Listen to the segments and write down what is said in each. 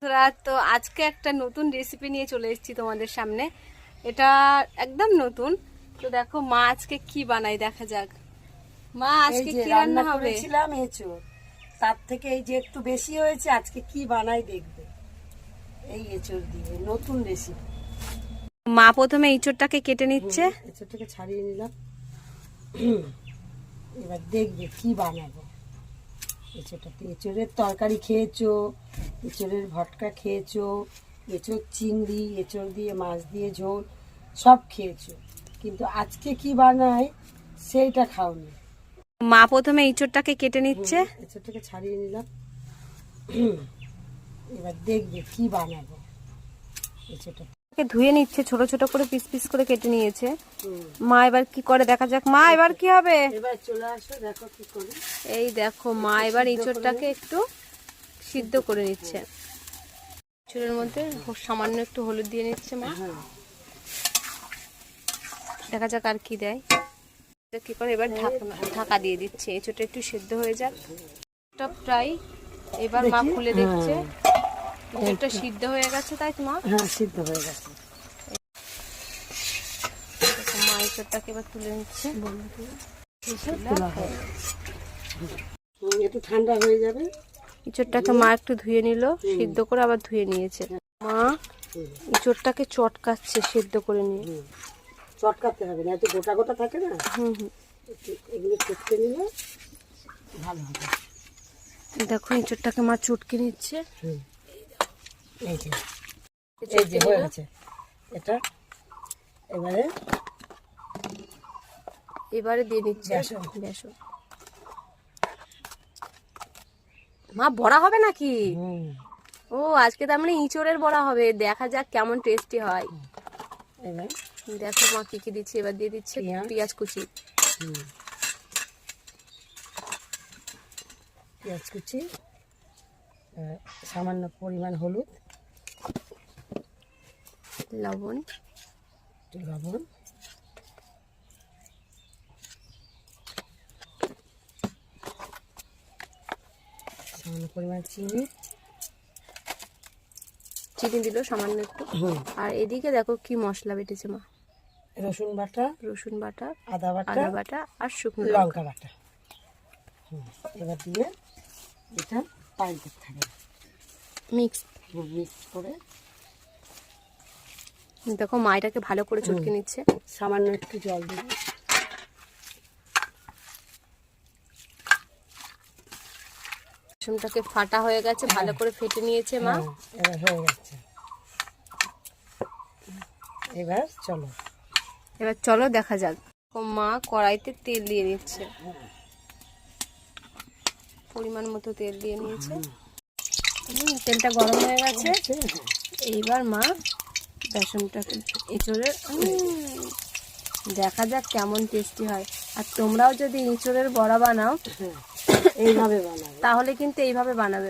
তো আজকে একটা নতুন রেসিপি নিয়ে চলে এসেছি তোমাদের সামনে। এটা একদম নতুন। তো দেখো মা আজকে কি বানাই, দেখা যাক। মা আজকে কি রান্না হবে? করেছিলাম এঁচোড়, তার থেকে এই যে একটু বেশি হয়েছে, আজকে কি বানাই দেখবে। এই এঁচোড় দিয়ে নতুন রেসিপি। মা প্রথমে এঁচোড়টাকে কেটে নিচ্ছে। এঁচোড়টাকে ছাড়িয়ে নিলাম, এবার দেখবে কি বানাবো। এঁচোড়টাতে এঁচোড়ের তরকারি খেয়েছো, এঁচোড়ের ভটকা খেয়েছো, এঁচোড় চিংড়ি, এঁচোড় দিয়ে মাছ দিয়ে ঝোল সব খেয়েছো, কিন্তু আজকে কি বানাই সেইটা খাওনি। মা প্রথমে এঁচোড়টাকে কেটে নিচ্ছে। এঁচোড়টাকে ছাড়িয়ে নিলাম, এবার দেখবে কি বানাবো। এঁচোড়টা ধুয়ে নিচ্ছে, ছোট ছোট করে পিস পিস করে কেটে নিয়েছে। মা এবার কি করে দেখা যাক। মা এবার কি হবে? এবার চলে আসো, দেখো কি করে। এই দেখো মা এবার এঁচোড়টাকে একটু সিদ্ধ করে নিচ্ছে। এঁচোড়ের মধ্যে সামান্য একটু হলুদ দিয়ে নিচ্ছে মা। দেখা যাক আর কি দেয়। কি করে এবার ঢাকা দিয়ে দিচ্ছে, এঁচোড়টা একটু সিদ্ধ হয়ে যাক। প্রায় এবার মা খুলে দেখছে, এঁচোড়টা সিদ্ধ হয়ে গেছে, তাই তো মা? হ্যাঁ, সিদ্ধ হয়ে গেছে। মা এঁচোড়টাকে এবার তুলে নিচ্ছে। একটু ঠান্ডা হয়ে যাবে। এঁচোড়টাকে মা একটু ধুয়ে নিল, সিদ্ধ করে আবার ধুয়ে নিয়েছে। মা এঁচোড়টাকে চটকাচ্ছে সিদ্ধ করে নিয়ে। চটকাতে হবে না, এত গোটা গোটা থাকে না। এগুলো চটকে নিলে ভালো হবে। দেখো এঁচোড়টাকে মা চটকে নিচ্ছে। এই যে হয়ে গেছে এটা। এবারে দিয়ে নিচ্ছে বেসন। মা বড়া হবে নাকি? ও আজকে তার মানে ইঁচড়ের বড়া হবে। দেখা যাক কেমন টেস্টি হয়। এবার দেখো মা কি কি দিচ্ছে। এবার দিয়ে দিচ্ছে পেঁয়াজ কুচি। পেঁয়াজ কুচি, সামান্য পরিমাণ হলুদ, লবণ, সামান্য পরিমাণ চিনি দিল সামান্য একটু। আর এদিকে দেখো কি মশলা বেটেছে মা। রসুন বাটা, আদা বাটা আর শুকনো লঙ্কা বাটা। এবার দিয়ে এটা পানি করতে হবে, মিক্স করে। দেখো মা এটাকে ভালো করে চটকে নিচ্ছে। সামান্য একটু জল দেবো। বেসনটাকে ফাটা হয়ে গেছে, ভালো করে ফেটে নিয়েছে মা। এবার হয়ে গেছে। এবার চলো দেখা যাক। মা কড়াইতে তেল দিয়ে নিচ্ছে, পরিমাণ মতো তেল দিয়ে নিয়েছে। তেলটা গরম হয়ে গেছে। এইবার মা বেসনটাকে এঁচোড়ের দেখা যাক কেমন টেস্টি হয়। আর তোমরাও যদি এঁচোড়ের বড়া বানাও এইভাবে বানাবে, তাহলে কিন্তু এইভাবে বানাবে।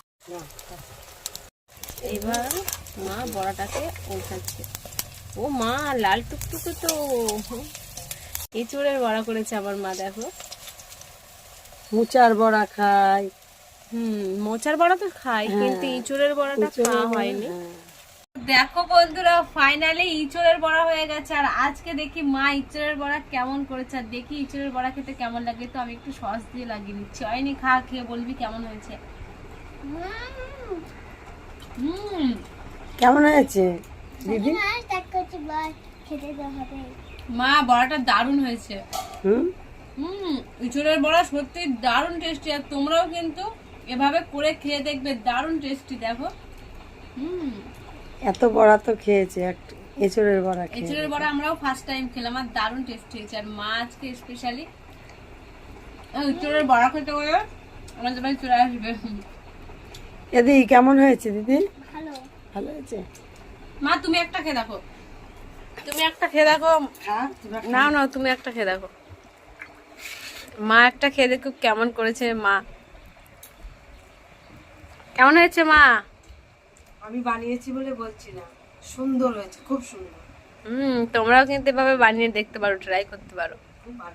এবার মা বড়াটাকে উল্টাচ্ছে। ও মা লাল টুকটুকে তো এঁচোড়ের বড়া করেছে আবার মা। দেখো মোচার বড়া খায়। মোচার বড়া তো খাই, কিন্তু এঁচোড়ের বড়াটা খাওয়া হয়নি। দেখো বন্ধুরা, ফাইনালি ইঁচড়ের বড়া হয়ে গেছে। আর আজকে দেখি মা ইঁচড়ের বড়া কেমন করেছে। আর দেখি ইঁচড়ের বড়া খেতে কেমন লাগে। তো আমি একটু সস দিয়ে লাগিয়ে নিচ্ছি। হয়নি, খেয়ে বলবি কেমন হয়েছে। কেমন হয়েছে দিদি? মা বড়াটা দারুণ হয়েছে। ইঁচড়ের বড়া সত্যি দারুণ টেস্টি। আর তোমরাও কিন্তু এভাবে করে খেয়ে দেখবে, দারুণ টেস্টি। দেখো এত বড়া তো খেয়েছে, এঁচোড়ের বড়া আমরাও ফার্স্ট টাইম খেলাম। আর দারুণ টেস্টি হয়েছে। আর মা আজকে স্পেশালি এঁচোড়ের বড়া খেতে বলে আমাদের বাড়ি চলে আসবে। দিদি কেমন হয়েছে? দিদি ভালো হয়েছে। মা তুমি একটা খেয়ে দেখো, না তুমি একটা খেয়ে দেখো। মা একটা খেয়ে দেখো কেমন করেছে মা। কেমন হয়েছে মা? আমি বানিয়েছি বলে বলছি না, সুন্দর হয়েছে, খুব সুন্দর। তোমরাও কিন্তু এভাবে বানিয়ে দেখতে পারো, ট্রাই করতে পারো।